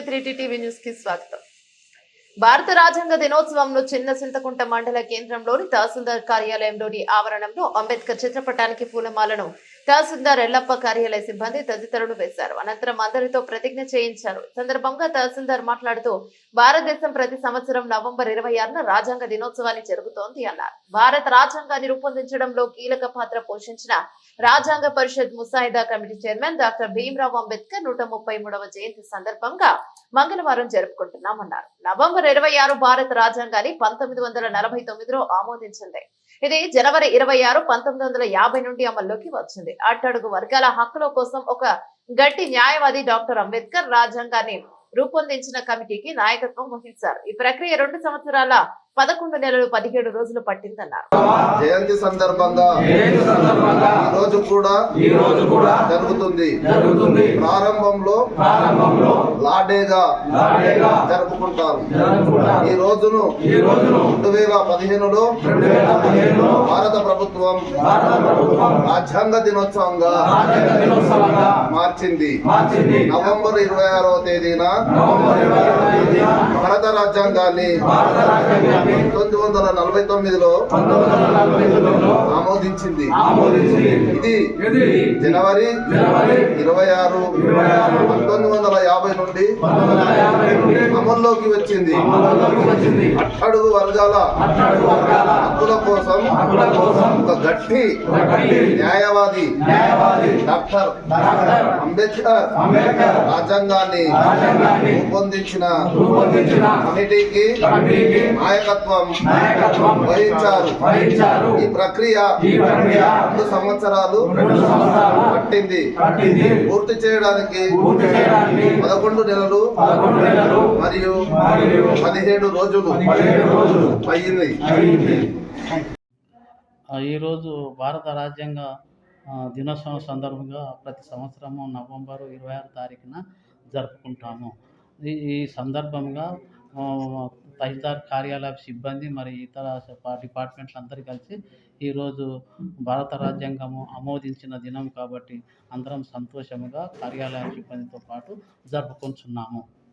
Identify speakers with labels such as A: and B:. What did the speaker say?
A: Three TV news కి స్వాగతం. భారత రాజ్యాంగ దినోత్సవంలో చిన్న చింతకుంట మండల కేంద్రంలోని తహసీల్దార్ కార్యాలయంలోని ఆవరణంలో అంబేద్కర్ చిత్రపటానికి పూలమాలను తహసీల్దార్ ఎల్లప్ప కార్యాలయ సిబ్బంది తదితరులు వేశారు. అనంతరం అందరితో ప్రతిజ్ఞ చేయించారు. సందర్భంగా తహసీల్దార్ మాట్లాడుతూ భారతదేశం ప్రతి సంవత్సరం నవంబర్ 26న రాజ్యాంగ దినోత్సవాన్ని జరుగుతోంది అన్నారు. భారత రాజ్యాంగాన్ని రూపొందించడంలో కీలక పాత్ర పోషించిన రాజ్యాంగ పరిషత్ ముసాయిదా committee chairman doctor Bhimrao Ambedkar 133వ జయంతి సందర్భంగా మంగళవారం జరుపుకుంటున్నామన్నారు. నవంబర్ 26 భారత రాజ్యాంగాన్ని 1949లో ఆమోదించింది. ఇది జనవరి 26, 1950 నుండి అమల్లోకి వచ్చింది. అట్టడుగు వర్గాల హక్కుల కోసం ఒక గట్టి న్యాయవాది డాక్టర్ అంబేద్కర్ రాజ్యాంగాన్ని రూపొందించిన కమిటీకి నాయకత్వం వహించారు. ఈ ప్రక్రియ 2 సంవత్సరాల 11 నెలలు 17 రోజులు పట్టిందన్నారు.
B: జయంతి సందర్భంగా ఈ రోజు కూడా జరుగుతుంది. ప్రారంభంలో లాడేగా జరుపుకుంటారు. ఈ రోజును 2015లో భారత ప్రభుత్వం రాజ్యాంగ దినోత్సవంగా మార్చింది. నవంబర్ 26వ తేదీన భారత రాజ్యాంగాన్ని 1949లో ఆమోదించింది. ఇది జనవరి 26, 1950 నుండి అమల్లోకి వచ్చింది. అట్టడుగు వర్గాల హక్కుల కోసం ఒక గట్టి న్యాయవాది డాక్టర్ అంబేద్కర్ రాజ్యాంగాన్ని రూపొందించిన కమిటీకి నాయకత్వం వహించారు. ఈ ప్రక్రియ 2 సంవత్సరాలు పట్టింది. పూర్తి చేయడానికి 11 నెలలు మరియు 17 రోజులు అయ్యింది.
C: ఈరోజు భారత రాజ్యాంగ దినోత్సవం సందర్భంగా ప్రతి సంవత్సరము నవంబర్ 26 తారీఖున జరుపుకుంటాము. ఈ సందర్భంగా తహసీల్దార్ కార్యాలయ సిబ్బంది మరి ఇతర డిపార్ట్మెంట్లు అందరూ కలిసి ఈరోజు భారత రాజ్యాంగము ఆమోదించిన దినం కాబట్టి అందరం సంతోషముగా కార్యాలయ సిబ్బందితో పాటు జరుపుకుంటున్నాము.